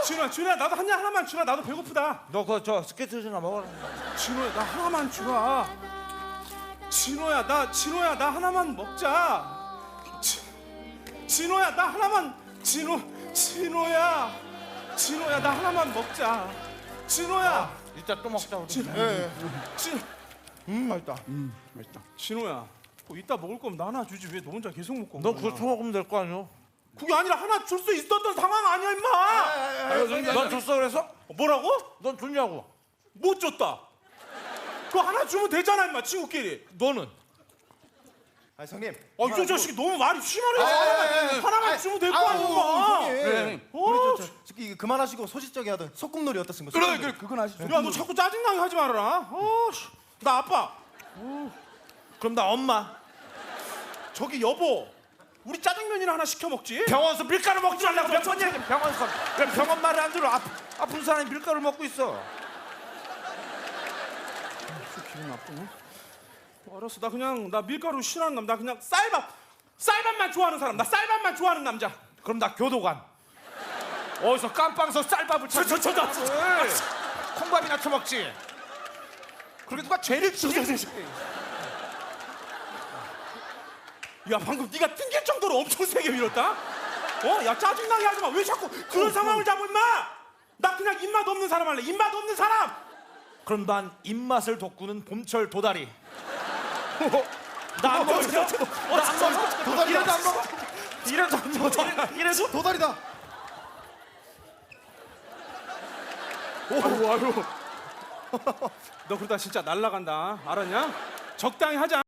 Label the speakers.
Speaker 1: 진호야 나도 한 입 하나만 주라. 나도 배고프다.
Speaker 2: 너 그 저 스케이트나 먹어라.
Speaker 1: 진호야 나 하나만 주라. 진호야 나 하나만 먹자. 진호야 나 하나만. 진호야 나 하나만 먹자. 진호야.
Speaker 2: 이따 또 먹자 우리.
Speaker 1: 맛있다. 맛있다. 진호야, 이따 먹을 거면 나 하나 주지 왜 너 혼자 계속 먹고?
Speaker 2: 너 그거 처먹으면 될 거 아니야?
Speaker 1: 그게 아니라 하나 줄 수 있었던 상황 아니야 임마.
Speaker 2: 넌 줬어 그래서?
Speaker 1: 뭐라고?
Speaker 2: 넌 줬냐고?
Speaker 1: 못 줬다. 그거 하나 주면 되잖아 임마 친구끼리.
Speaker 2: 너는?
Speaker 3: 아 형님.
Speaker 1: 이 자식이 너무 말이 심하네. 하나만 주면 될 거 아니야.
Speaker 3: 형님.
Speaker 1: 어,
Speaker 3: 이거 그만하시고 소시적이 하던 소꿉놀이 어떻습니까?
Speaker 1: 그래 그건 하시죠. 야 너 자꾸 짜증나게 하지 말아라. 나 아빠.
Speaker 2: 그럼 나 엄마.
Speaker 1: 저기 여보. 우리 짜장면이나 하나 시켜 먹지.
Speaker 2: 병원에서 밀가루 먹지 말라고 몇 번 얘기해. 병원에서. 왜 병원 말을 안 들어? 아픈 사람이 밀가루 먹고 있어.
Speaker 1: 기분 나쁘네. 알았어 나 밀가루 싫어하는 남자. 나 그냥 쌀밥만 좋아하는 사람. 나 쌀밥만 좋아하는 남자.
Speaker 2: 그럼 나 교도관. 어디서 깜빵서 쌀밥을 찾. 콩밥이나 처먹지. 그렇게 누가 죄를 지냐?
Speaker 1: 야 방금 네가 튕길 정도로 엄청 세게 밀었다. 야 짜증나게 하지 마. 왜 자꾸 그런 상황을 잡아 임마. 나 그냥 입맛 없는 사람 할래. 입맛 없는 사람.
Speaker 2: 그럼 난 입맛을 돋구는 봄철 도다리. 나 안 먹어. 나안 먹어.
Speaker 3: 도다리다.
Speaker 2: 이래도 안 먹어. 이래서
Speaker 3: 도다리다.
Speaker 1: 아유. 너 그러다 진짜 날라간다. 알았냐? 적당히 하자.